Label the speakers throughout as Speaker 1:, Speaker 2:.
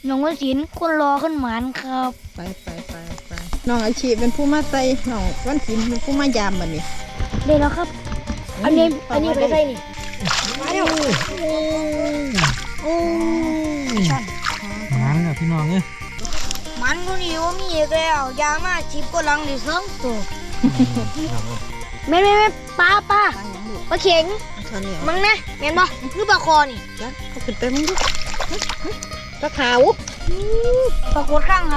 Speaker 1: น้องวสินคนรอขึ้นหมานครับ
Speaker 2: ไปน้องอาชีพเป็นผู้มาใส่น้องวันศิลป์เป็นผู้มายามบัดนี้
Speaker 1: ได้แล้วครับ อันนี้ไปใส่นี่มาเร็ว
Speaker 2: โอ้
Speaker 3: มันพี่น้องเนี่ย
Speaker 1: มันคนนี้ว่ามีอีกแล้วยางมาชิบก็ลังดิสองตัวแม่ป้าปลาเข็ง
Speaker 2: เท่านี้
Speaker 1: มึงนะแม่นบ่คือปลาคอนี่
Speaker 2: จ้ะเขาขึ้นไปมึงดูปลาขาว
Speaker 1: ปลากดข้างครับ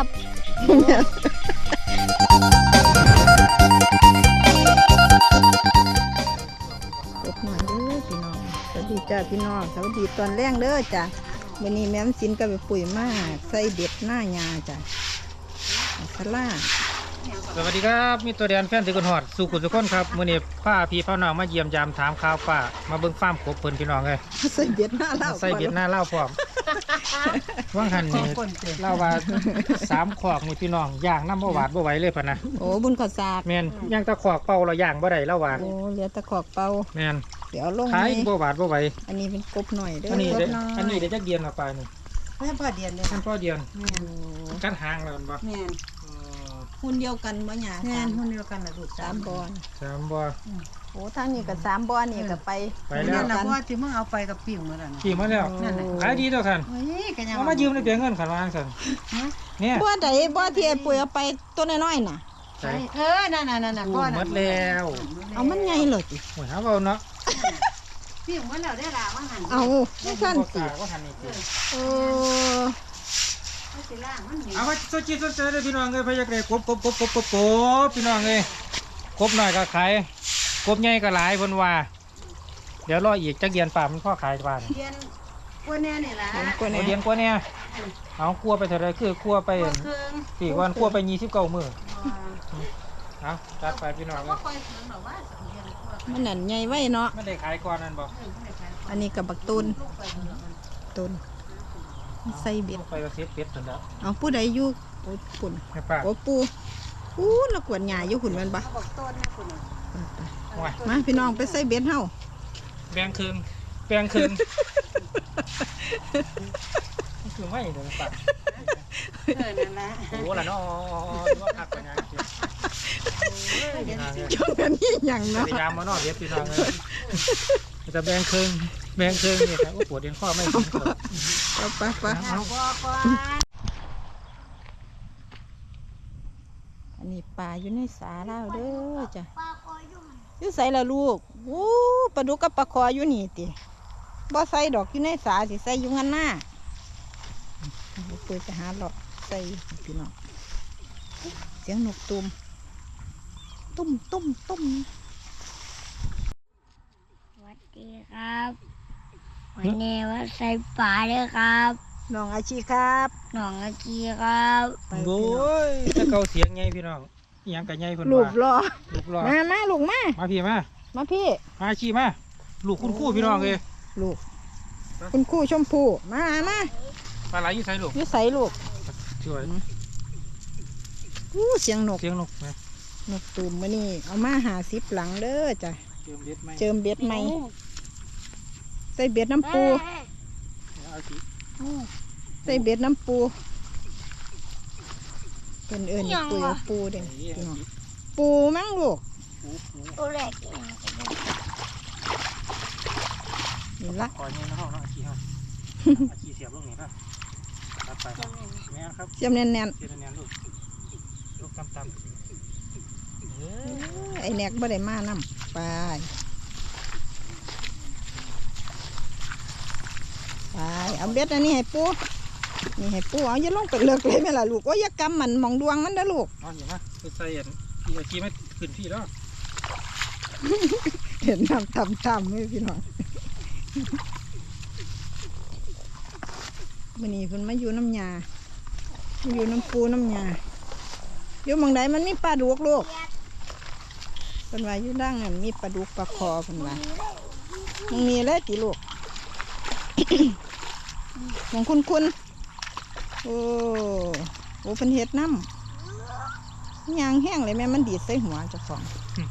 Speaker 2: กบหน่อยเด้อพี่น้องสวัสดีจ้าพี่น้องสวัสดีตอนแรงเด้อจ้ะวันนี้แม่มศิลป์ก็ไปปุ๋ยมาใส่เด็ดหน้ายาจ้ะสลา
Speaker 3: สวัสดีครับมีตัวแดนแฟนติกนหอดสู่กุศลคนครับมื้อนี้พาพี่พ่อน้องมาเยี่ยมยามถามข่าวป้ามาเบิ่งฟาร์มกบเพิ่นพี่น้องเลย
Speaker 2: ใส่เบ็ดหน้าเล่า
Speaker 3: ใส่เบ็ดหน้าเล่าพร้อมว่างหันนี่เล่าว่า3ขอกนี่พี่น้องย่างน้ำบ่หวาดบ่ไหวเลยพะนะ
Speaker 2: โอ้บุญขอสาก
Speaker 3: แม่นย่างตะขอกเป่าเราย่างบ่ได้เล่าว่า
Speaker 2: โอ้เหลือตะขอกเป่า
Speaker 3: แม่น
Speaker 2: เดี๋ยวลง
Speaker 3: ขาย
Speaker 2: ไหม
Speaker 3: บ่หวาดบ่ไหว
Speaker 2: อันนี้เป็นกบหน่อยเด้อ
Speaker 3: อันนี้
Speaker 2: ก
Speaker 3: ได้
Speaker 2: บน้อย
Speaker 3: อันนี้ได้จักเดือนละปลานี่
Speaker 4: แม่พ่อเดียนเลย
Speaker 3: ท่านพ่อเดือน
Speaker 4: แม่น
Speaker 3: กัดหางแล้วมันบ่
Speaker 4: แม่น
Speaker 3: อ๋อ
Speaker 2: หุ่นเดียวกันบ่หยา
Speaker 4: แม่นคนเดียวกันนะลูก
Speaker 2: สามบอน
Speaker 3: สามบ่
Speaker 2: โอ้ทางนี้ก็สามบอนนี่ก็ไป
Speaker 3: ไป
Speaker 4: แม่
Speaker 3: แล้ว
Speaker 4: นนะเพราะว่าที่มึงเอาไปกับปิ่งเหมือนกัน
Speaker 3: ขี่มาแล้ว
Speaker 4: นั่นน่ะ
Speaker 3: ขายดีแล้วท่าน
Speaker 4: เฮ้ยกันยัง
Speaker 3: เอามายืมได้เพียงเงินขันวางสั่นเนี่ย
Speaker 2: บ่ใดบ่ที่ไอ้ปุ๋ยเอาไปตัวน้อยๆน่ะ
Speaker 3: ใช่
Speaker 4: นั่นพ่อ
Speaker 3: หมดแล้ว
Speaker 2: เอามันใหญ่เลยติ
Speaker 3: โอ้ยหาเอาเนาะ
Speaker 4: ปิ่งมาแล้วได้ละว่าหัน
Speaker 2: เอาไม่สั่น
Speaker 3: บ่
Speaker 2: สิ
Speaker 3: กล้าว่าทันนี่สิ
Speaker 2: โอ้
Speaker 4: เขาสิล่างมันนี่
Speaker 3: เอามาสนใจเลยพี่น้องเอ้ยพะยักเลยกบพี่น้องเอ้ยกบหน่อยก็ขายกบใหญ่ก็หลายเพิ่นว่า เดี๋ยวรออีกจักเดือนป่ามันพ่อขายป่าน
Speaker 4: เดียนกวนแน่นี่ล่ะ
Speaker 2: เห็นกว่า
Speaker 3: โอ้
Speaker 2: นี้
Speaker 3: เดือนกว่าเนี่ยเอากลัวไปเท่าไรคือกลัวไป
Speaker 4: เครื่อง
Speaker 3: สี่วันกลัวไป29มื้อเอาจัดไปพี่น้องเอ้ย
Speaker 4: คอยเครื่องหรอว่า2เดือนกว่า
Speaker 2: มันนั่นใหญ่ไว้เนาะ
Speaker 3: ไม่ได้ขายก่อนนั่นบ่
Speaker 2: อันนี้ก็บักตูนตูนใส่เบ็ด
Speaker 3: ไปก็เสียเป็ดนั่นแหละ
Speaker 2: เอาผู้ใดอยู่โอ้ปุ่น
Speaker 3: ให้ป้า
Speaker 2: โอ้ปูอู้แล้วกวนหญ้าอยู่หุ่นแม่นบ่
Speaker 4: บอกต้นนะคุณ
Speaker 3: ว่า
Speaker 2: มาพี่น้องไปใส่เบ็ดเฮา
Speaker 3: แบงครึ่งคือไม่เดี๋ยวป่า
Speaker 4: นั่นแหละ
Speaker 3: โอ้ล่ะเนาะว่าพักไปงานเกี่ยว
Speaker 2: ช่วงนี้หยัง
Speaker 3: พ
Speaker 2: เนาะ
Speaker 3: ยายามมาเนาะเดี๋ยวพี่น้องเลยจะแบงครึ่งนี่ครับปวดเอ็นข้อไม่ถึงครับ
Speaker 2: เอาไป
Speaker 4: บอกว่า
Speaker 2: อันนี้ปลาอยู่ในสาแล้วเด้อจ้ะอยู่ใส่ละลูกโอ้ปลาดุกกับปลาคออยู่นี่ติบ่ใส่ดอกอยู่ในสาสิใส่อยู่งั้นหน้าเปิดไปหาหลอกใส่พี่น้องเสียงนกตุ้ม
Speaker 1: สวัสดีครับวันนี้ว่าใส่ปลาด้วยครับ
Speaker 2: น้องอาชีครับ
Speaker 1: น้องอากีครับ
Speaker 2: ไป
Speaker 3: โอ้
Speaker 2: พี่น้อง
Speaker 3: ยถ้าเกาเสียงไงพี่น้องยังกับไงเพิ่น
Speaker 2: ลูก
Speaker 3: ว่าร
Speaker 2: อ
Speaker 3: ลูกรอ
Speaker 2: มาลูกมา
Speaker 3: มาพี่มา
Speaker 2: มาพี่
Speaker 3: มาชี้มาลูกคุณคู่พี่น้องเลย
Speaker 2: ลูกคุณครู่ชมพูมา
Speaker 3: ปลาไหลอยู่ใส่ลูก
Speaker 2: อยู่ใส่ลูก
Speaker 3: ช่วย
Speaker 2: อู้เสียงนก
Speaker 3: เสียงนกนะ
Speaker 2: นกตูมมานี่เอามา50หลังเด้อจ้ะ
Speaker 3: เติมเบ็ดไหม
Speaker 2: เจิมเบ็ดใหม่ใส่เบ็ดน้ำปู
Speaker 3: เอาสิ
Speaker 2: ใส่เบ็ดน้ำปูเป็นเอิญปูเอาปูเด้พี่น้องปูมั้งลูก
Speaker 1: ตัวแรก
Speaker 2: นี่ละ
Speaker 3: ขอเงินนะเฮาเนาะอาชีเฮาอาชีเสียบลูกนี่ครับรับไปแม่ครับ
Speaker 2: เสียมแน่น
Speaker 3: เสียบแน่นลูกต่ำ
Speaker 2: ๆไอ้แนกบ่ได้มานำไปเอาเบ็ดอันนี้ให้ปูนี่ให้ปูเอาอย่าลงไปเลิกเลยแม่ล่ะลูกโอ้ยอย่ากำมันมองดวงมันเด้อลูก
Speaker 3: เอาอย่างนะไปใส่อันพี่อาชีไม่ขึ้นพี่แล้ว
Speaker 2: เห็นน้ำทำไม่พี่น้องวันนี้เพิ่นมาอยู่น้ำยามาอยู่น้ำปูน้ำยาอยู่หมองใดมันมีปลาดุกลูกเพิ่นว่าอยู่ดังนั่นมีปลาดุกปลาคอเพิ่นว่ามันมีเลยติลูก ของคุณโอ้โหเพิ่นเฮ็ดน้ำยางแห้งเลยแม่มันดีดใส่หัวเจ้าของ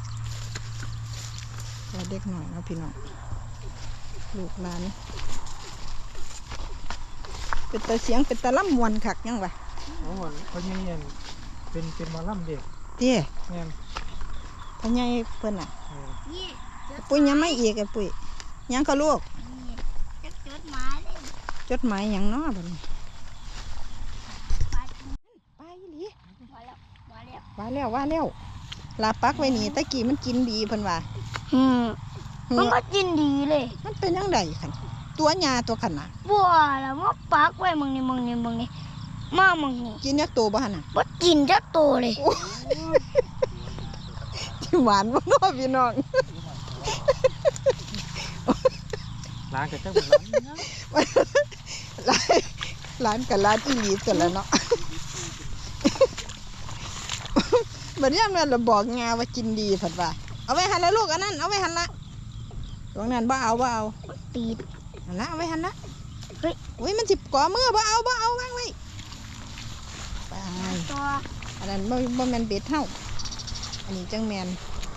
Speaker 2: ก็เด็กหน่อยเนาะพี่น้องลูกหลานเป็นตาเสียงเป็นตาล่ำมวนคักยังวะ
Speaker 3: โอ้โหเขายังเห็นเป็นหมอลำเด็ก
Speaker 2: เตี้ย
Speaker 3: แม่น
Speaker 2: พ่อใหญ่เพิ่นน่ะ
Speaker 3: เออ
Speaker 1: นี่
Speaker 2: ปุ้ยยังไม่อีกไอ้ปุ้ยยังก็ลูก
Speaker 1: จะจดหมายเลย
Speaker 2: จดหมายหยังเนาะบัดนี้
Speaker 1: ไป
Speaker 2: ไปอีหลี
Speaker 1: มาแล้วมาแล้ว
Speaker 2: ว่าแล้วลาปักไว้นี่ตะกี้มันกินดีเพิ่นว่า
Speaker 1: มันก็กินดีเลย
Speaker 2: มันเป็นจังไดคั่นตัวหญ้าตัวขนาด
Speaker 1: บัวแล้วมาปักไว้มึงนี่มามึงนี่
Speaker 2: กินยักโตบ่หั่นน่ะ
Speaker 1: บ่กินจักโตเลย
Speaker 2: ที่หวานบ่เนาะพี่น้อง
Speaker 3: ร้านกับเจ้าของร้าน
Speaker 2: ร้านกับร้านอีหลีตัวละเนาะ บัดนี้มันเราบอกงาว่ากินดีผัดว่าเอาไว้หันละลูกอันนั้นเอาไว้หันละตรงนั้นบ่เอา
Speaker 1: ตีด
Speaker 2: อันละเอาไว้หันละ
Speaker 1: เฮ้ย
Speaker 2: อุ้ยมันสิบก่อมือบ่เอาวางไว้ไป
Speaker 1: ตัว
Speaker 2: อันนั้นบ่แม่นเบ็ดเฮาอันนี้จังแม่น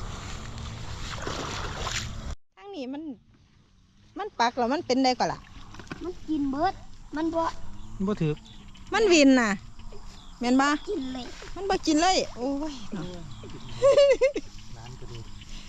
Speaker 2: ทางนี้มันปักแล้วมันเป็นได้ก่อนล่ะ
Speaker 1: มันกินเบิดมันบ่
Speaker 3: บ่ถือ
Speaker 2: มันวินน่ะแม่นบ่
Speaker 1: กินเลย
Speaker 2: มันบ่กินเลยโอ้ยเนาะ
Speaker 3: ร้านก็ดี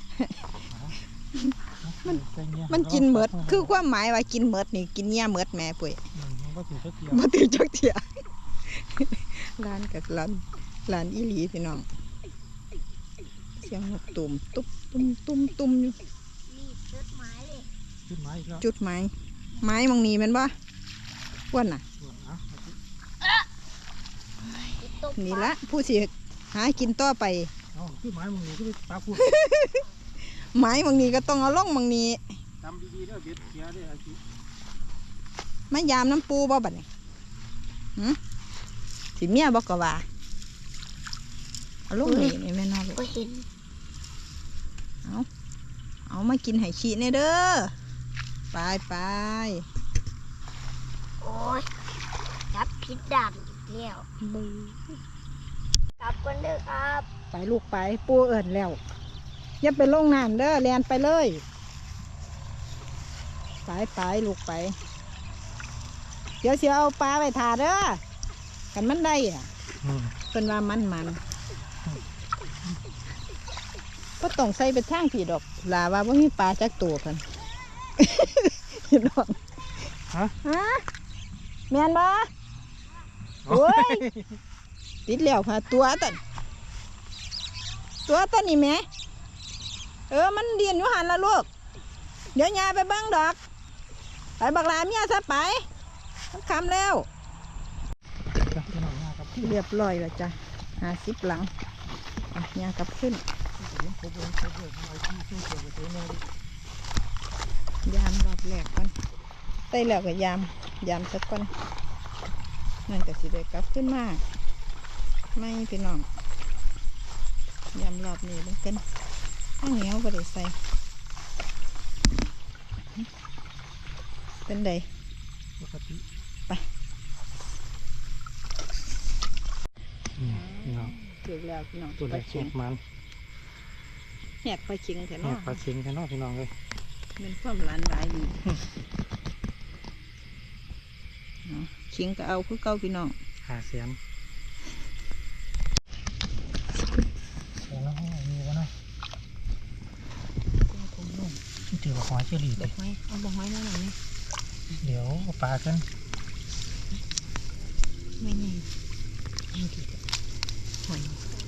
Speaker 2: มันกินเมดคือความหมายว่ากินเมดนี่กินเนี้ยเมดแม่ปุ้ย
Speaker 3: มันบ่ถือเจ้าเกี่ยว
Speaker 2: บ่ตื่นจักเที่ย ร้านกับร้านอีหลีพี่น้องเสียงนกตุ่มตุ๊บตุ้มอยู่
Speaker 1: นี่จดหมายเลย
Speaker 3: ขึ้นมาอีกแล้ว
Speaker 2: จุดไม้มองนี้แม่นบ่อ้วนน่ะ
Speaker 1: ตก
Speaker 2: นี่ละผู้สิหากินต่อไป
Speaker 3: เอาขึ้นไม้มึงนี่ก็ไปปลาพูด
Speaker 2: ไม้มองนี้ก็ต้องเอาลงมองนี้
Speaker 3: จำดีๆเด้อเบ็ดเสียเด้ออาชี
Speaker 2: มายามน้ำปูบ่บัดนี้สิเมียบ่ก็ว่าเอาลงนี่แม่นอนลูก
Speaker 1: ก็เห็น
Speaker 2: เอามากินไห้ขี้แน่เด้อไป
Speaker 1: โอ้ยจับผิดด่านอีกแล้วกลับกันเด้อครับ
Speaker 2: ไปลูกไปปูเอิญแล้วอย่าไปลงน้ำเด้อแลนไปเลยไปลูกไป เดี๋ยวเสียเอาปลาไปถาเด้อกันมันได้อ่ะเป็นว่ามันก็ต้องใส่ไปทางผีดอกลาว่าบ่มีปลาจักตัวเพิ่น พี่น้อง ฮะแม่นบ่โอ้ยติดแล้วค่ะตัวตันนี่แม่มันเรียนอยู่หันละลูกเดี๋ยวยายไปเบิ่งดอกไปบักลาเมียซะไปมันคำแล้วเรียบร้อยแล้วจ้ะ50หลังยากลับขึ้นยามรอบแรกก่อนได้แล้วก็ยามสักก่อนนั่นก็สิได้กลับขึ้นมาไม่พี่น้องยามรอบนี้มันกันข้าวเหนียวก็ได้ใส่เป็นได
Speaker 3: ปกติ
Speaker 2: ไป
Speaker 3: เนาะ
Speaker 2: ถึงแล้วพี่น้อง
Speaker 3: ตัวเล็กแหกมัน
Speaker 2: แหกไปชิงแถ
Speaker 3: แห
Speaker 2: นอก
Speaker 3: ปลาเค็งแค่นอกพี่น้องเลย
Speaker 2: เป็นความร้านหลายดีชิงก็เอาคือเก้าพี่น้อง
Speaker 3: หาเสียมแล้วมีวะเนาะถือว่าหอยเชอรี่
Speaker 2: ดอกไม้เอาดอกไม้มาหน่อยนี่
Speaker 3: เดี๋ยวเอาปลากัน
Speaker 2: ไม่ไงไม่ดีหอย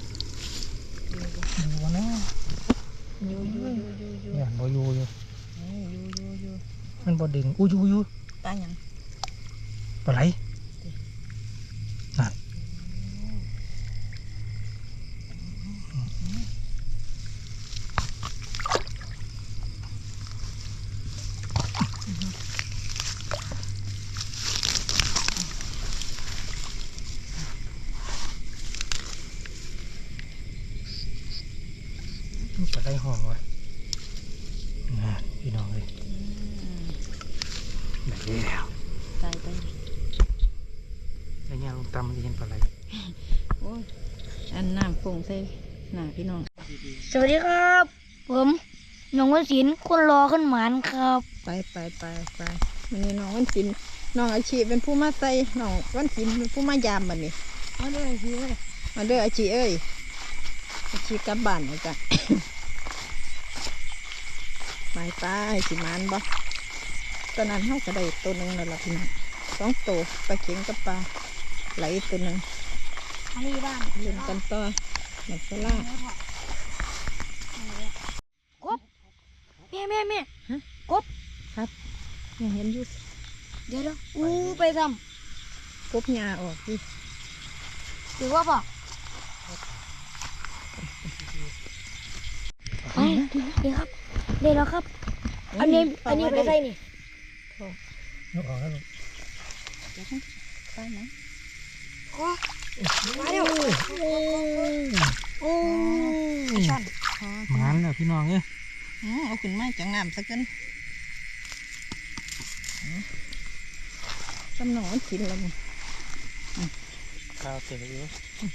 Speaker 3: ดูวะเนาะ
Speaker 2: ยู
Speaker 3: อย่างบ่อยู่อยู่
Speaker 2: ยู
Speaker 3: มันบ่ดึงอู้อยู่
Speaker 2: ตาหยัง
Speaker 3: ปลาไหลนั่นปลาไหลห่อวะพี่น้องเลยได้แล้ว
Speaker 2: ตาย
Speaker 3: ไอ้เนี่ยลงตำมันจะเห็นปลาไหล
Speaker 2: โอ้ยอันน้ำฟงใส่หน้าพี่น้อง
Speaker 1: สวัสดีครับ ผมน้องวสินทร์คนรอขึ้นหมานครับ
Speaker 2: ไปวันนี้น้องวันศิลป์น้องอาชีเป็นผู้มาใส่น้องวันศิลป์เป็นผู้มายามบัดนี้
Speaker 1: มาด้วยสิเว้ย
Speaker 2: มาเด้ออาชีเอ้ยอาชีกลับบ้านนะจ๊ะ ไปไปสิมานบ่ตอนนั้นเขาก็ได้ตัวหนึ่งแล้วล่ะพี่น้อง2 ตัวปลาเข็งกับปลาไหลตัวหนึ่ง
Speaker 1: อันนี้บ้าน
Speaker 2: เล่นกันต่อหนักสล่าก
Speaker 1: บแม่กบ
Speaker 2: ครับยังเห็นอยู่
Speaker 1: เดี๋ยวอู้ไปท
Speaker 2: กบหญ้าออกดิ
Speaker 1: ำถือว่าป่ะไปเดี๋ยวครับเดี๋ยวแล้วครับ อันนี้ไปใส่นี่
Speaker 3: นกออกแล้วลูก
Speaker 2: ไปไหม
Speaker 1: โอ้มาเร็วโอ้สั่น
Speaker 3: หมานแล้วพี่น้องเอ้ย
Speaker 2: เอาขึ้นมาจากน้ำสักกันตำหนองมันกินแล้วนี่
Speaker 3: ข้าวเสร็จแล้ว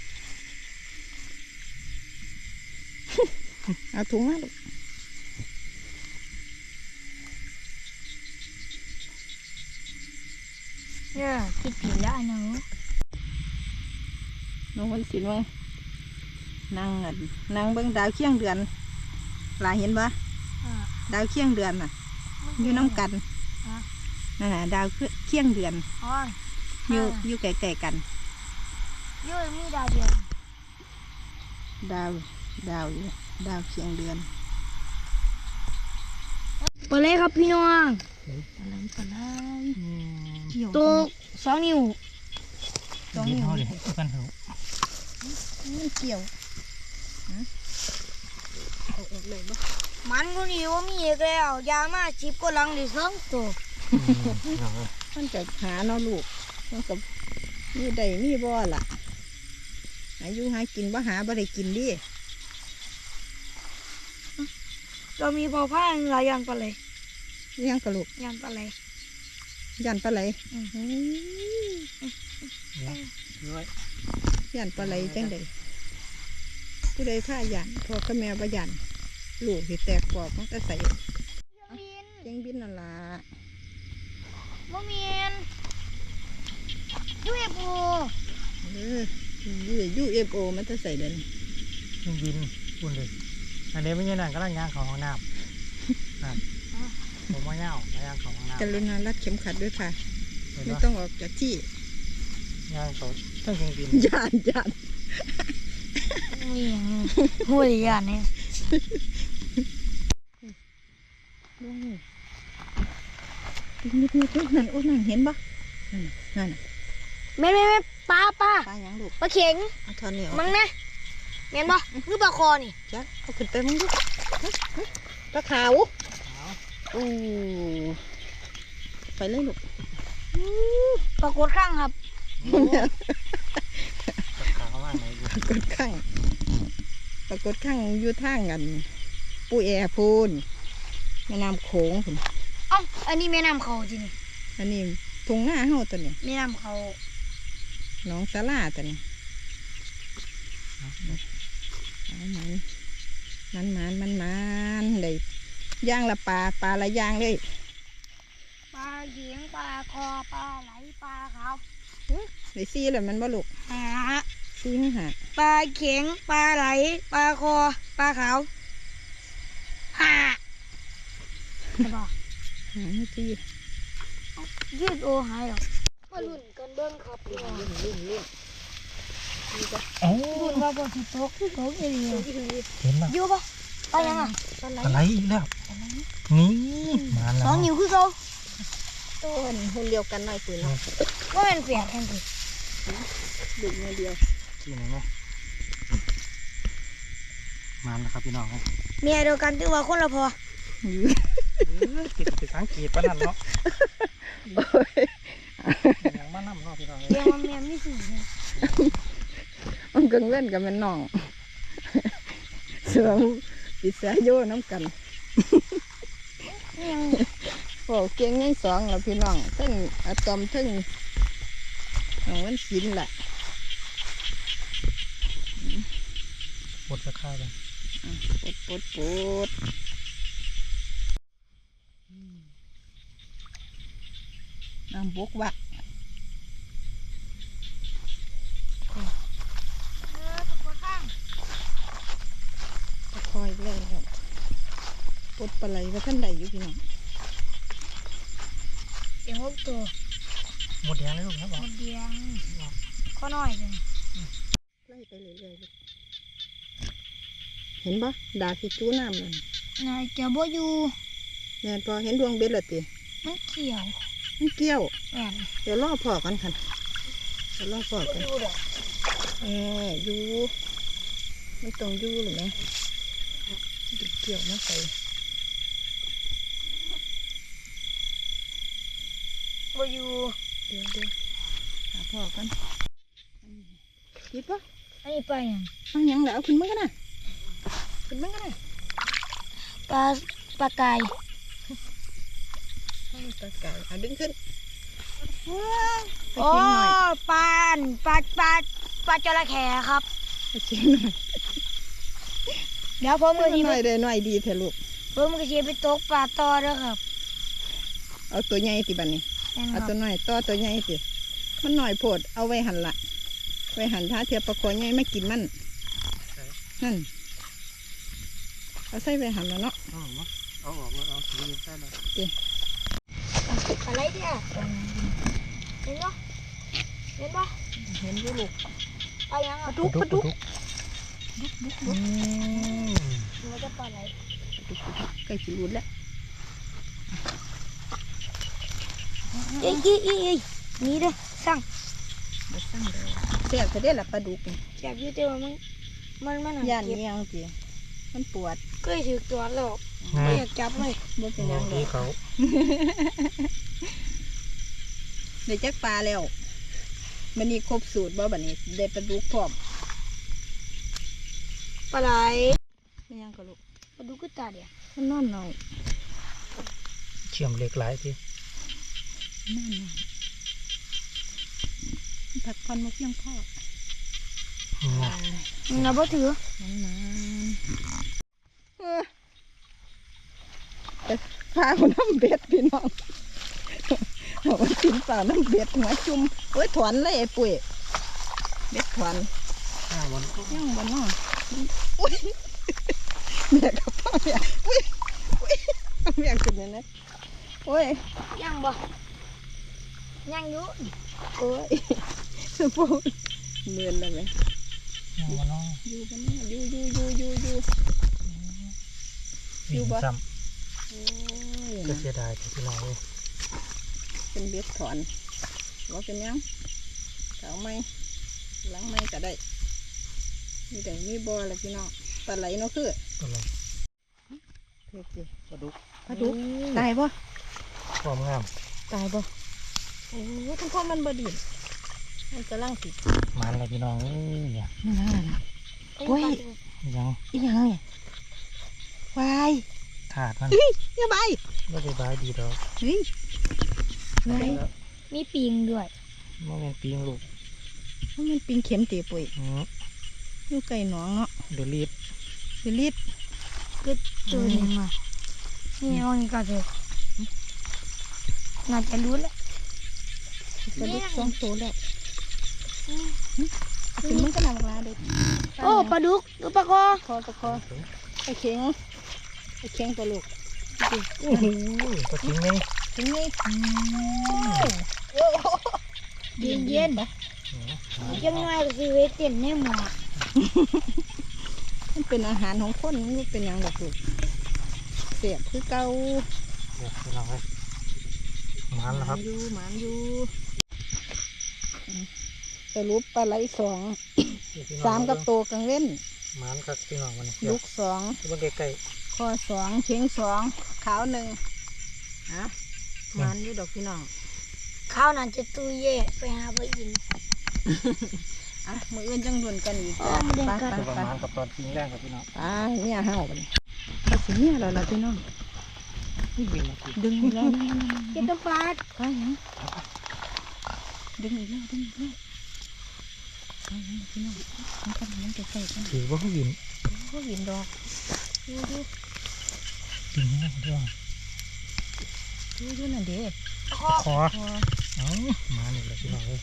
Speaker 2: เอาถุงมาลูก
Speaker 1: เนี่ยคิดผิดแล้วหนู
Speaker 2: น้องวันศิลป์ว่านั่งเบิ่งดาวเคียงเดือนหลายเห็นปะดาวเคียงเดือนน่ะ อยู่น้ำกันนั่นแหละดาวเคียงเดือน
Speaker 1: อ๋อ
Speaker 2: อยู่ไกลๆกัน
Speaker 1: เยอะมีดาวเดียว
Speaker 2: ดาวอยู่ดาวเคียงเดือน
Speaker 1: ไปเลยครับพี่น้อง
Speaker 2: ปลาเกี่ยว
Speaker 1: ตัว2 นิ้ว
Speaker 3: กินเขาดิกันเหรอ
Speaker 2: มันเกี่ยวเอาออกเลยบ่
Speaker 1: มันก็นี่ว่ามีอีกแล้วยามาจิบก็ลังได้2 ตัว
Speaker 2: มันจะหาเนาะลูกมันกับมีใดมีบ่ล่ะอายุหากินบ่หาบ่ได้กินดิ
Speaker 1: เรามีพอผ้าหลายอย่างปลาไหล
Speaker 2: เลี้ยงกระลูก
Speaker 1: อย่างปลาไหล
Speaker 2: ยันปลาไหล
Speaker 3: ด้วย
Speaker 2: ยันปลาไหลจังใดผู้ใดผ้ายันพ่อกับแม่บ่ยันลูกที่แตกปอกมันก็ใส่
Speaker 1: บิน
Speaker 2: เจ้งบินนั่นล่ะ
Speaker 1: บ่มีนด้วยปู
Speaker 2: UFO มันจะใส่เดิน
Speaker 3: ยิงบินอุ่นเลยอันนี้ไม่ใช่นั่นก็ร่างยางของห้องน้ำครับผมว่าเงาย่างของห้องน้ำ
Speaker 2: กรุณารัดเข็มขัดด้วยค่ะ ไม่ต้องออกจากที่
Speaker 3: ย่างเขาต้องยิงบิน
Speaker 2: ย่าน
Speaker 1: มีอย่างหัวใหญ่เนี่ย
Speaker 2: นิดนั่นโอ้นั่นเห็นปะนั่น
Speaker 1: แม่ปลา
Speaker 2: ปลาหยังลูก
Speaker 1: ปลาเข็ง
Speaker 2: เอาทอนนี่ออก
Speaker 1: มั้งนะเห็นปะคือปลาคอนี่
Speaker 2: จ้ะเอาขึ้นไปมึงดูปลาขาวโอ้ไปเลยลูก
Speaker 1: ปลากดข้างครับ
Speaker 3: ขาวมากเลย
Speaker 2: ปรากฏข้างอยู่ทางกันปูแอพูนแม่น้ำโขงพุ่น
Speaker 1: เอ้าอันนี้แม่น้ำเขาจริง
Speaker 2: อันนี้ทุ่งนาเฮาตัวนี้
Speaker 1: แม่น้ำเขา
Speaker 2: หนองสาลาตัวนี้มันเลยย่างละปลาละย่างเลย
Speaker 1: ปลาเขียงปลาคอปลาไหลปลาขาว
Speaker 2: เลยซี่เลยมันบ่ลูก
Speaker 1: หา
Speaker 2: ซี่ไม่หา
Speaker 1: ปลาเข็งปลาไหลปลาคอปลาขาวหาใช่ปะ
Speaker 2: หาไม่ซี่
Speaker 1: ยืดโอหายหรอกมาลุ้นกันเบิ้งครับพี่น้อง
Speaker 3: โอ้
Speaker 1: ลุ้นว่าบนสิตกอีหลี
Speaker 3: เห็นป่ะ
Speaker 1: อยู่ปะไปยังอ่ะ
Speaker 3: อะไรอีกแล้วนี่มาแล้ว
Speaker 1: 2 นิ้วคือเขา
Speaker 2: ต้นหุ่นเดียวกันหน่อยปืนเนาะ
Speaker 1: ก็เป็นเสียงกันสิ
Speaker 2: ดึกมือเดียว
Speaker 3: ที่ไหนไหมมาแล้วครับพี่น้องครับ
Speaker 1: เมียเดียวกันที่ว่าคนละพอ
Speaker 3: ติดสังเกตปะนั่นเนาะยังมานั่เนาะพี่น้อง
Speaker 1: เรียกว่าเมียไม่สี่เนี่ย
Speaker 2: มันกังเล่นกับมันน้องเสือปิดสายโยน้ำกัน
Speaker 1: ยัง
Speaker 2: โอ้เก่งยัง2แล้วพี่น้องทั้งอะตอมทั้งน้องวันศิลป์ล่ะ
Speaker 3: บดจะฆ่ากัน
Speaker 2: ปดน้ำบกวะตะคอยเลยครับปลดปลาไหลว่าท่านใดอยู่พี่น้อง
Speaker 1: เสียง6ตัว
Speaker 3: หมดแดงเลยลูกนะบ
Speaker 1: ห
Speaker 3: อก
Speaker 1: มดเดียงข้อน้อยเลย
Speaker 2: ไล่ไปเรื่อยๆลูกเห็นปะดาที่จู้น้ำเลย
Speaker 1: นายจะบ่อยู่
Speaker 2: แม่นพอเห็นดวงเบ็ดและติ
Speaker 1: มันเขียว
Speaker 2: มันเกี่ยว
Speaker 1: แม่น
Speaker 2: เดี๋ยวล่อพอกันค่ะเดี๋ยวล่อพอ
Speaker 1: บ่
Speaker 2: กัน
Speaker 1: อยู่ดอก
Speaker 2: อยู่มันต้องอยู่หรือไงเกี่ยวนะใส่
Speaker 1: บ่อยู่
Speaker 2: เดี๋ยวหาพอกันคิดปะ
Speaker 1: อันนี้ปลาหยัง
Speaker 2: เอาหยังแล้วเอาขึ้นมากันนะขึ้นมากันนะ
Speaker 1: ปลากาย
Speaker 2: ตะไก่เอาดึงขึ้น
Speaker 1: โอ้ปลาจระเข้ครับ
Speaker 2: ไปเชียงหน่อย
Speaker 1: เดี๋ยวผม
Speaker 2: ไป
Speaker 1: ก็
Speaker 2: เชี
Speaker 1: สิ
Speaker 2: ยงห
Speaker 1: ไป
Speaker 2: น่อยเลยหน่อยดีเถอะลูก
Speaker 1: ไปตกปลาต่อเด้อครับ
Speaker 2: เอาตัวใหญ่ติบันนี้
Speaker 1: แม่นค
Speaker 2: เอา
Speaker 1: รับ
Speaker 2: ตัวหน่อยต่อตัวใหญ่ติมันหน่อยโพดเอาไว้หันละไว้หันท้าเทียบประคอใหญ่ไม่กินมันนั่นเอาใส่ไว้หันแล้วเนาะ
Speaker 3: เอาออกมาเอาดีใช่ไหม
Speaker 1: อะไรเนี่ยเห็นปะเห็นปะ
Speaker 2: เห็นอยู่ลูก
Speaker 1: ปลาหยังอ่ะ
Speaker 2: ปลาดุก
Speaker 1: มันจะปลาไหล
Speaker 2: ใกล้สิรุดแล้ว
Speaker 1: เอ้ยนี่เด้อสั่ง
Speaker 2: มาสั่งเลยเสียบจะได้ละปลาดุกนี่
Speaker 1: แซ่บอยู่แต่ว่ามัน
Speaker 2: ย่าน
Speaker 1: เจ็บ
Speaker 2: เมียงจีมันปวด
Speaker 1: เคยถือตัวแล้วไม่อยากจับเลย
Speaker 2: บ่เป็นหยังเล
Speaker 3: ดี
Speaker 2: ย
Speaker 3: เขา
Speaker 2: ได้จักปลาแล้วมันนี่ครบสูตรบ่บัดนี้ได้ปลาดุกพร้อม
Speaker 1: ปลาไหล
Speaker 2: ไม่ยังก็ลูก
Speaker 1: ปลาดุกก็ตาเดียว
Speaker 2: มันนอนหน่อย
Speaker 3: เชื่อมเหล็กไหลที
Speaker 2: นอนหน่อยผักพันมุกยังพ่อ
Speaker 1: เราบ่ถือ
Speaker 2: แต่พาคนน้ำเบ็ดพี่น้องบอกว่ากินเปล่าน้ำเบ็ดหัวจุ่มเอ้ยถอนเลยไอ้ปุ๋ยเบ็ดถอน
Speaker 3: มัน
Speaker 2: ยังบนน้องอุ้ยเมียกับพ่อเมียอุ้ยเอาเมียขึ้นเลยนะโอ้ย
Speaker 1: ยังบ่ยังอยู่
Speaker 2: โอ้ยสมบูรณ์เมือนเลยไหม
Speaker 3: มันน้อง
Speaker 2: อยู่บนน้องอยู่
Speaker 3: วิ่งซ้
Speaker 2: โอ้
Speaker 3: ำ
Speaker 2: ย
Speaker 3: ก็เสียดายแต่พี่น้องเลย
Speaker 2: เป็นเบ็ดถอนว่าเป็นยังเก่าไหมหลังไหมก็ได้มีแต่มีบ่อแหละพี่น้องปลาไหลเนาะคือ
Speaker 3: ก็เลย
Speaker 2: เพื่อสิ
Speaker 3: ปลาดุก
Speaker 2: ปลาดุกตายบ่
Speaker 3: ความงาม
Speaker 2: ตายบ่โอ้ยทั้งพ่อมันบ่ดินมันกำลังติด
Speaker 3: มันเลยพี่น้องเอ้ยเนี่ย
Speaker 2: นั่นน่ะ โอ้ย
Speaker 3: ยัง
Speaker 2: อีหยังเนี่ยวาย
Speaker 3: ถาดมัน
Speaker 2: อย่าไป
Speaker 3: ไม่ได้บายดีดอก
Speaker 2: เฮ้ยไว้
Speaker 1: มีปีงด้วย
Speaker 3: มันเป็นปีงลูก
Speaker 2: มันปิงเข็มตีปุ๋ย
Speaker 3: อืม
Speaker 2: อยู่ไก่หนองเนาะ
Speaker 3: เดือดรีด
Speaker 2: คือรีด
Speaker 1: ก็ตัวนึงอ่ะนี่เอานี่ก็เถอะน่าจะรู้แล้ว
Speaker 2: กระดูกสองตัวแล้วถึงมันก็นำมาเด็ด
Speaker 1: โอ้ปลาดุกดูปลาคอ
Speaker 2: ตะคอไอ้เข็งตัวลูก
Speaker 3: โอ้โหปลาทิ้งไง
Speaker 2: ถึงนี่
Speaker 1: เย็นๆจังหน่อยก็สิเวทเต้นในหมอ
Speaker 2: มันเป็นอาหารของคนมันเป็นหยังดอกลูกเสียบคือเก่า
Speaker 3: เดี๋ยวพี่น้องเลยมันแล้วครับ
Speaker 2: หมานอยู่สรุปปลาไหลสอง3กับโตกังเว้น
Speaker 3: มันครับพี่น้องมัน
Speaker 2: ลูก2
Speaker 3: มันใกล้
Speaker 2: คอ2เชียง2ขาว1อ่ะหมานอยู่ดอกพี่น้อง
Speaker 1: ข้าวนั่นจะตู้เย่ไปหาปลาอิน
Speaker 2: อ่ะมืออื่นจังดุนกันอีกจ้ะ
Speaker 1: อ๋อมาเดิน
Speaker 2: ไป
Speaker 1: กัน
Speaker 3: ๆตัวประ
Speaker 2: ไป
Speaker 3: มาณกับตอนทิ้งแรกครับพี่น้อง
Speaker 2: ไปเนี่ยเห่าไปเราสิเนี่ยเราละพี่น้อง
Speaker 3: นี่บินมาสิ
Speaker 2: ดึงอีกแล้ว
Speaker 1: เก็บน้ำปลา
Speaker 2: ไปยังดึงอีกแล้วไปยังพี่น้องมันกำลังจะใส่กัน
Speaker 3: ถือว่าเขาบิน
Speaker 2: ก็หินดอกดู
Speaker 3: บินนี่นะพี่น้อง
Speaker 2: นั่นเด้
Speaker 1: คอ
Speaker 3: ขอเอามาหนึ่งเลยพี่น้องเลย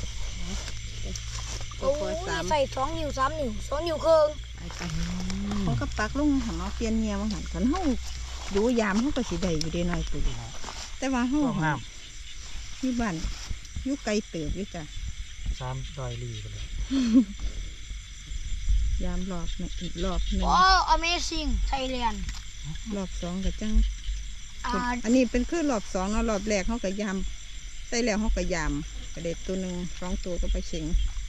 Speaker 2: ปลาคอสาม
Speaker 1: ใส่2 นิ้ว 3 นิ้ว 2 นิ้วครึ่ง
Speaker 2: ไปเขาก็ปักลงหันเอาเปลี่ยนเงียมาหันกันเฮาดูยามเฮาก็สิได้อยู่ได้น้อยปุ๋ยแต่ว่าเฮา
Speaker 3: ต้องห้าม
Speaker 2: อยู่บ้านอยู่ไกลเติบอยู่จ้ะ
Speaker 3: 300ลีกันเลย
Speaker 2: ยามรอบหนึ่งอีกรอบหนึ่ง
Speaker 1: โอ้ Amazing Thailand
Speaker 2: รอบสองก็จัง
Speaker 1: อ่า
Speaker 2: อันนี้เป็นคือรอบสองเนาะรอบแรกเขาก็ยามใส่แล้วเขาก็ยามกระเด็ดตัวหนึ่ง2 ตัวก็ไปเชิง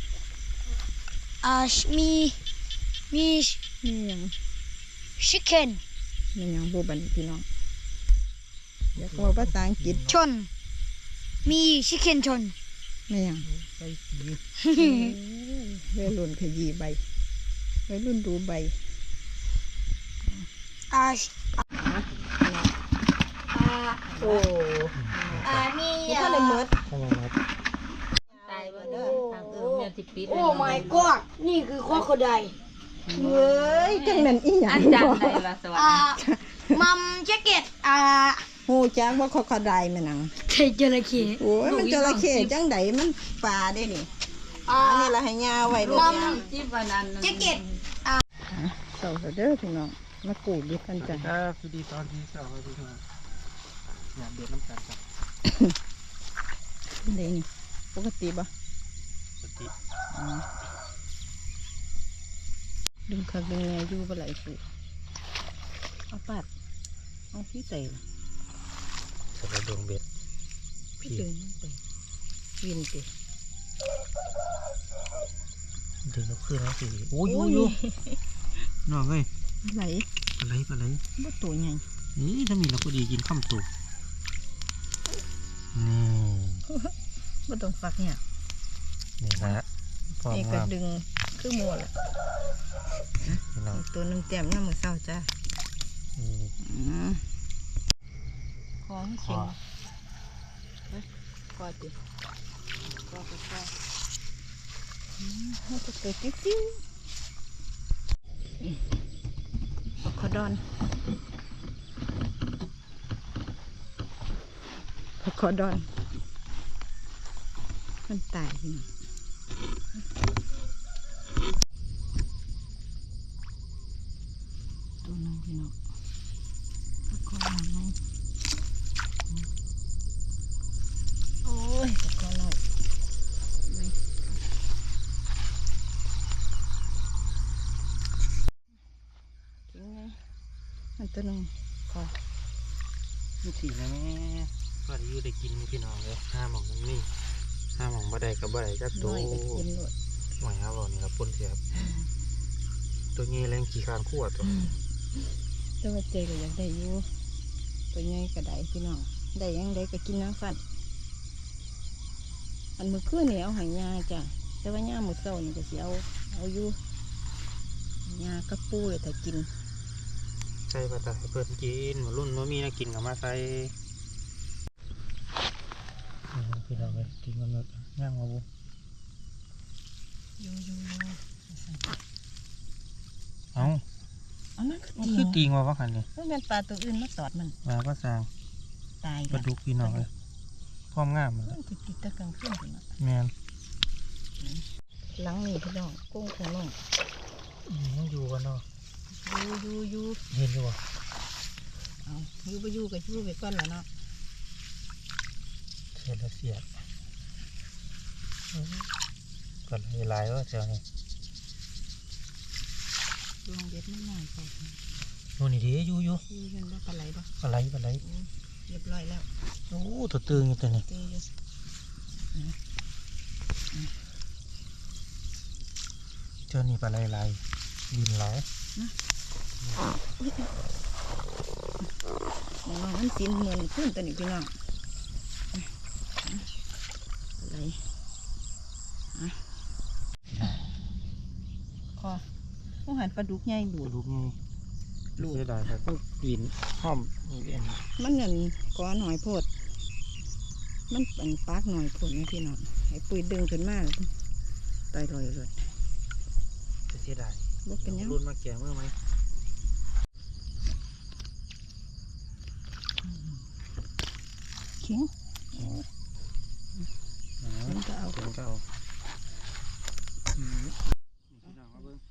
Speaker 1: มี
Speaker 2: มีอย่าง
Speaker 1: chicken
Speaker 2: มีอย่างบูบันพี่น้องอยากบอกภาษาอังกฤษ
Speaker 1: ชน มี chicken ชน
Speaker 2: ไม่อย่าง
Speaker 3: ใส่สี
Speaker 2: วัยรุ่นขยี้ใบวัยรุ่นดูใบ
Speaker 1: อ่า
Speaker 2: โอ้
Speaker 1: มี
Speaker 2: ยถ้าได้เมิด
Speaker 3: ทำไมครับ
Speaker 4: ตายบ่เด้อทางแม่สิปิด
Speaker 1: โอ้ my god นี่คือข้อขดาย
Speaker 2: เฮ้ยจังนั้นอีหยัง
Speaker 4: อาจารย์ได้ละสวัสดี
Speaker 1: มัมแจ็คเก็ต
Speaker 2: หูจักว่าเขาเขาได้แม่นัง
Speaker 1: จระเข้
Speaker 2: โอ้ยมันจระเข้จังไดมันปลาได้นี่อันนี้ละให้ยาไว้ลูกยา
Speaker 4: จิบวันนั้น
Speaker 1: แจ็คเก็ต
Speaker 2: เต่าเด้อพี่น้องมากูดดิกันจ้ะ
Speaker 3: ครับสวัสดีตอนที่2ครับพี่น้องอยากเดือดน้ำตาลครับ
Speaker 2: เด้นี่ปกติบ่
Speaker 3: ปกติ
Speaker 2: ดึงคักดึงแง่อยู่บ่ไหลสิเอาปัดเอาพี่ใส่ล่ะ
Speaker 3: สำหรับดวงเบ็ด
Speaker 2: พี่ดึงไปวินติ
Speaker 3: ดึงแล้วขึ้นแล้วสิโอ้ยอยู่น้องเอ้ย
Speaker 2: ไหล
Speaker 3: ปลาไหลปลาไหล
Speaker 2: บ่ตัวใหญ่
Speaker 3: นี่ถ้ามีเราก็ดีกินข้ามตุกนี่
Speaker 2: บ่ต้องฝักเนี่ย
Speaker 3: นี่นะพร้อม
Speaker 2: นี่ก็
Speaker 3: งาม
Speaker 2: ดึงคือหมัวแหละ
Speaker 3: พี่น้อง
Speaker 2: ตัวนึงเต็มยามมื้อเช้าจ้ะ
Speaker 3: นี่
Speaker 2: ของ
Speaker 3: ข
Speaker 2: เข็
Speaker 3: อง
Speaker 2: กอดดิกอดก็มันจะเกิดจิ้วๆขอดอนขอดอนมันตายพี่น้องตัวนึงพี่น้องขอดอนน้องโอ้ยขอหน่อยไม่จริงไงมันตัวนึงขอ
Speaker 3: นี่สินะแม่ก็ได้อยู่ได้กินมีพี่น้องเลยห้าหม่องมันนี่ห้าหม่องบ่ได้กับบ่ได้จัก
Speaker 2: น้
Speaker 3: ตัว
Speaker 2: อยก็กินหมด
Speaker 3: หน่อยครับเรานี่ครับปนเสียบตัวนี้แรงขี่คานขั้วตัว
Speaker 2: แต่ว่าเจก็อยากได้อยู่ตัวใหญ่ก็ได้พี่น้องได้ยังได้ก็กินน้ำฟันอันมื้อคืนนี่เอาใหายาจ้ะแต่ว่าย่ามื้อเช้านี่ก็สิเอาอยู่ยากระปูเลยแต่กิน
Speaker 3: ใส่ปลาตาให้เพิ่นกินมารุ่นว่ามีน่ากินกับมาใส่พี่น้องเลยกินมันเลยย่างมาบุ
Speaker 2: อยู่
Speaker 3: เอ้า
Speaker 2: อันนั้นก็
Speaker 3: มัน
Speaker 2: ตี
Speaker 3: คือตีงว่าคันนี่
Speaker 2: มันเป็นปลาตัวอื่นมาตอดมัน
Speaker 3: มาก็สร้าง
Speaker 2: ตาย
Speaker 3: ปลาดุกพี่น้องเลยพร้อมงามมัน
Speaker 2: มันติดตะกลางคืนพี่น้อง
Speaker 3: แมน
Speaker 2: หลังนี่พี่น้องกุ้งของน้อง
Speaker 3: ยังอยู่กันเนาะ
Speaker 2: อยู่
Speaker 3: เห็นอยู่บ่
Speaker 2: เอาอยู่ไปอยู่ก็อยู่ไปก่อนแล้วเนาะ
Speaker 3: เสียแล้วเสียก็หลายว่าเจ้านี่
Speaker 2: ดวงเด็ดมันหน่อยไป
Speaker 3: โน่นนี่ดิอยู่
Speaker 2: อยู่กันว่าปลาไหลบ่
Speaker 3: ปลาไหล
Speaker 2: เรียบร้อยแล้ว
Speaker 3: โอ้ตัวตึงอยู่ตัวนี้
Speaker 2: เจออยู่
Speaker 3: เจ้านี่ปลาไหลบินหลาย
Speaker 2: น้องมันสินเหมือนขึ้นตัวนี้พี่น้องอะไรคอต้องหันปลาดุกใหญ่ดู
Speaker 3: ป
Speaker 2: ด
Speaker 3: ลาดุกนี่
Speaker 2: ลูก
Speaker 3: เสียดายครับบินห้อมนี่เป็น
Speaker 2: มันเงินก้อนหน่อยโพดมันเป็นปากหน่อยโพดนะพี่น้องให้ปุ๋ยดึงขึ้นมาต่อยลอยเลย
Speaker 3: เสียดาย
Speaker 2: บ่เป็นหยัง
Speaker 3: รุ่นมาแก่เมื่อไหม
Speaker 2: เข็ง
Speaker 3: พี่น้องมาเบิ่ง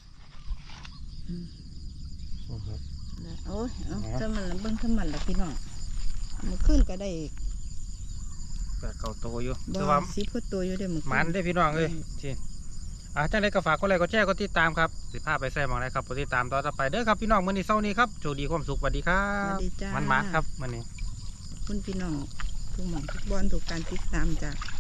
Speaker 2: โอ้ยเอาถ้ามันละเบิ่งถ้ามันละพี่น้องมันขึ้นก็ได้
Speaker 3: แต่เก่าโตอยู่
Speaker 2: บ่
Speaker 3: คือว่า
Speaker 2: สิพุตัวอยู่เด้อมัน
Speaker 3: มันได้พี่น้องเอ้ยที่จังไดก็ฝากกดไลค์กดแชร์กดติดตามครับสิพาไปแซ่หมองไรครับกดติดตามต่อไปเด้อครับพี่น้องมื้อนี้เช้านี้ครับโชคดีความสุขสวัสดีครั
Speaker 2: สวั
Speaker 3: บ
Speaker 2: สดีจ้า
Speaker 3: มันครับมื้อนี้
Speaker 2: คุณพี่น้องทุกหม่องทุกบอนทุกการติดตามจ้ะ